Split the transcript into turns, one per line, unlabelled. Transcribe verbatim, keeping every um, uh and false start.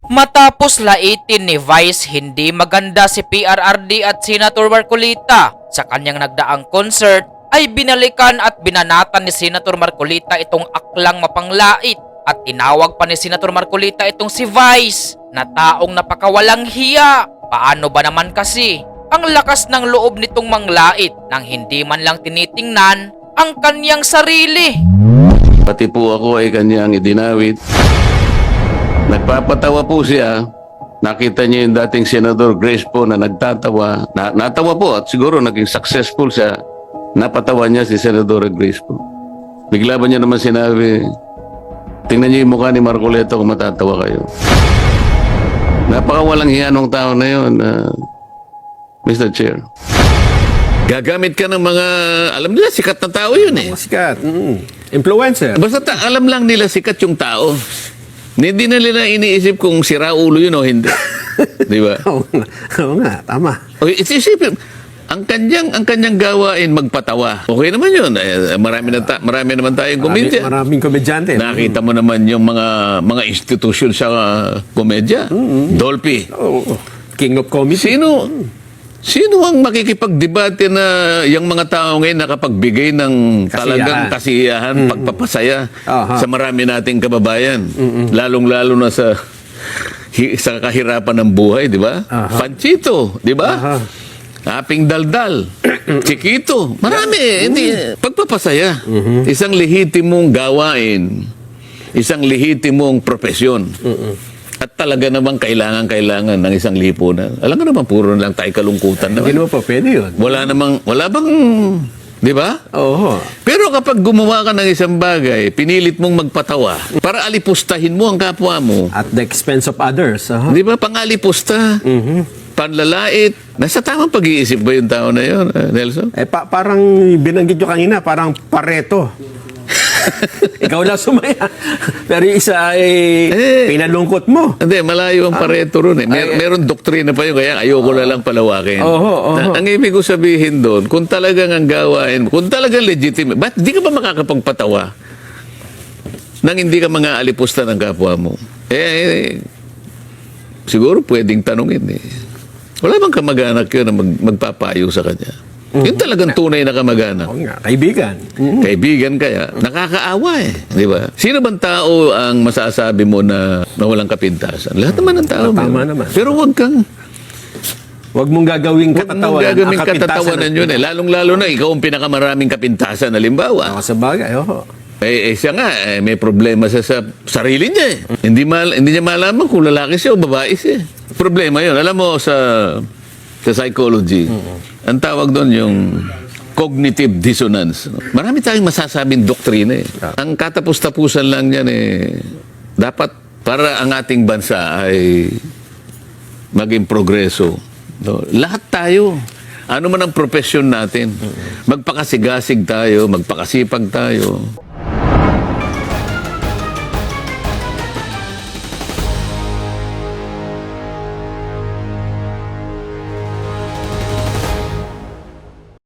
Matapos laitin ni Vice hindi maganda si P R R D at Senator Marcolita sa kanyang nagdaang concert, ay binalikan at binanatan ni Senator Marcolita itong aklang mapanglait at tinawag pa ni Senator Marcolita itong si Vice na taong napakawalang hiya. Paano ba naman kasi ang lakas ng loob nitong manglait nang hindi man lang tinitingnan ang kanyang sarili?
Pati po ako ay kanyang idinawit. Nagpapatawa po siya. Nakita niya yung dating Senador Grace po na nagtatawa. Na, natawa po at siguro naging successful siya. Napatawa niya si Senador Grace po. Bigla ba niya naman sinabi, tingnan niyo yung mukha ni Marcoleta kung matatawa kayo. Napakawalang hiya nung tao na yun, uh, Mister Chair.
Gagamit ka ng mga, alam nila, sikat na tao yun eh.
Sikat. Mm. Influencer.
Basta ta- alam lang nila sikat yung tao. Hindi na nila iniisip kung sira ulo yun o hindi. Di ba?
Oo nga. Oo nga, tama.
Okay, isipin, ang kanyang, ang kanyang gawain magpatawa. Okay naman yun. Eh, marami, na ta- marami naman tayong
Marami,
komedya.
maraming komedyante.
Nakita mo naman yung mga mga institusyon sa uh, komedya. Dolphy.
Oo. King of Comedy.
Sino sino ang makikipagdebate na yung mga tao ngayon nakapagbigay ng talagang kasiyahan, pagpapasaya
Aha.
sa marami nating kababayan, lalong-lalo na sa hi- sa kahirapan ng buhay, di ba?
Aha.
Panchito, di ba?
Aha.
Aping daldal, Chiquito, marami. Hindi, pagpapasaya. Isang lehitimong gawain, isang lehitimong profesyon. At talaga namang kailangan-kailangan ng isang lipunan. Alam ka naman, puro lang tayo kalungkutan
Hindi
naman.
naman pa pwede yun.
Wala namang, wala bang, di ba?
Oo.
Pero kapag gumawa ka ng isang bagay, pinilit mong magpatawa para alipustahin mo ang kapwa mo.
At the expense of others. Aha.
Di ba? Pangalipusta, panlalait. Nasa tamang pag-iisip ba yung tao na yun, eh, Nelson?
Eh, pa- parang binanggit nyo kanina, parang pareto. Ikaw lang sumaya. Pero yung isa ay
Eh.
pinalungkot mo.
Hindi, malayo ang pareto ron eh. Mer- meron doktrina pa yun, kaya ayoko na lang palawakin.
Oho, oho.
Na- ang ibig ko sabihin doon, kung talagang ang gawain, kung talagang legitimate, ba't di ka ba makakapagpatawa nang hindi ka mga alipusta ng kapwa mo? Eh, eh, siguro pwedeng tanungin eh. Wala bang kamag-anak yun na mag- magpapayo sa kanya? Yun talagang tunay na kamag-anak.
Oo nga, kaibigan. Mm.
Kaibigan kaya, nakakaawa eh. Di ba? Sino bang tao ang masasabi mo na, na walang kapintasan? Lahat naman ng tao.
Tama
meron.
naman.
Pero huwag kang,
Huwag mong gagawing
huwag mong
katatawanan.
gagawin
ang kapintasan
katatawanan
ng-
yun eh. Lalong-lalo na ikaw ang pinakamaraming kapintasan, halimbawa.
Ako sa bagay, oo.
Eh, eh siya nga, eh, may problema siya sa sarili niya eh. Hindi, mal, hindi niya malaman kung lalaki siya o babae siya. Problema yun. Alam mo, sa, sa psychology, ang tawag doon yung cognitive dissonance. Marami tayong masasabing doktrina eh. Ang katapos-tapusan lang yan eh, dapat para ang ating bansa ay maging progreso. No? Lahat tayo. Ano man ang profesyon natin. Magpakasigasig tayo, magpakasipag tayo.